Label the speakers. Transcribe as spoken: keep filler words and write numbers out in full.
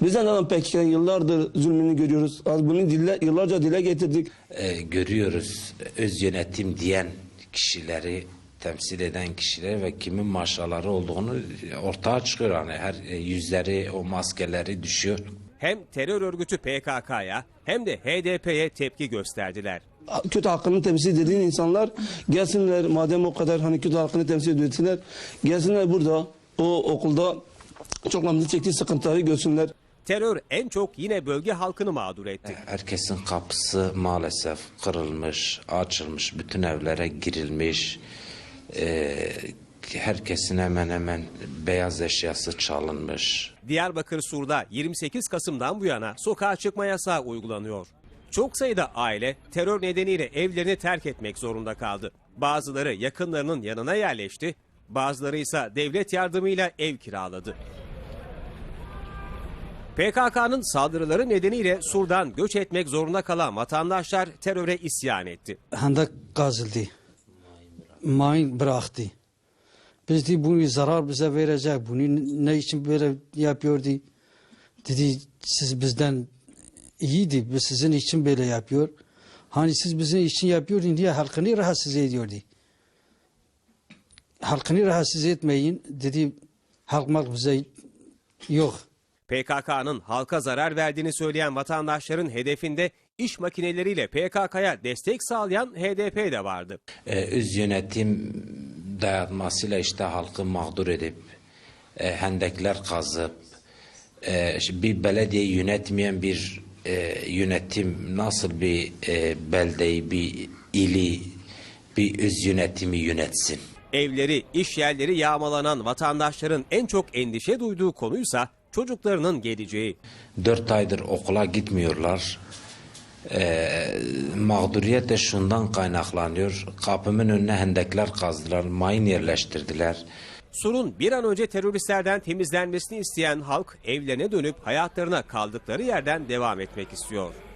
Speaker 1: Biz de neden P K K'nın yıllardır zulmünü görüyoruz. Az bunu dille, yıllarca dile getirdik.
Speaker 2: Ee, görüyoruz öz yönetim diyen kişileri, temsil eden kişileri ve kimin maşaları olduğunu ortaya çıkıyor. Yani her yüzleri, o maskeleri düşüyor.
Speaker 3: Hem terör örgütü P K K'ya hem de H D P'ye tepki gösterdiler.
Speaker 1: Kötü hakkını temsil dediğin insanlar gelsinler, madem o kadar hani kötü hakkını temsil ediyorlar, gelsinler burada o okulda çocuklarımızın çektiği sıkıntıları görsünler.
Speaker 3: Terör en çok yine bölge halkını mağdur etti.
Speaker 2: Herkesin kapısı maalesef kırılmış, açılmış, bütün evlere girilmiş. Ee, herkesin hemen hemen beyaz eşyası çalınmış.
Speaker 3: Diyarbakır Sur'da yirmi sekiz Kasım'dan bu yana sokağa çıkma yasağı uygulanıyor. Çok sayıda aile terör nedeniyle evlerini terk etmek zorunda kaldı. Bazıları yakınlarının yanına yerleşti, bazıları ise devlet yardımıyla ev kiraladı. P K K'nın saldırıları nedeniyle Sur'dan göç etmek zorunda kalan vatandaşlar teröre isyan etti.
Speaker 4: Hendek kazıldı, mayın bıraktı. Biz de bunu zarar bize verecek, bunu ne için böyle yapıyordu? Dedi siz bizden iyiydi, biz sizin için böyle yapıyor. Hani siz bizim için yapıyordun diye halkını rahatsız ediyordu. Halkını rahatsız etmeyin dedi, halk bize yok.
Speaker 3: P K K'nın halka zarar verdiğini söyleyen vatandaşların hedefinde iş makineleriyle P K K'ya destek sağlayan H D P de vardı.
Speaker 2: Ee, öz yönetim dayatmasıyla işte halkı mağdur edip, e, hendekler kazıp, e, bir belediye yönetmeyen bir e, yönetim nasıl bir e, beldeyi, bir ili, bir öz yönetimi yönetsin?
Speaker 3: Evleri, iş yerleri yağmalanan vatandaşların en çok endişe duyduğu konuysa çocuklarının geleceği.
Speaker 2: Dört aydır okula gitmiyorlar. Ee, mağduriyet de şundan kaynaklanıyor. Kapımın önüne hendekler kazdılar, mayın yerleştirdiler.
Speaker 3: Sur'un bir an önce teröristlerden temizlenmesini isteyen halk evlerine dönüp hayatlarına kaldıkları yerden devam etmek istiyor.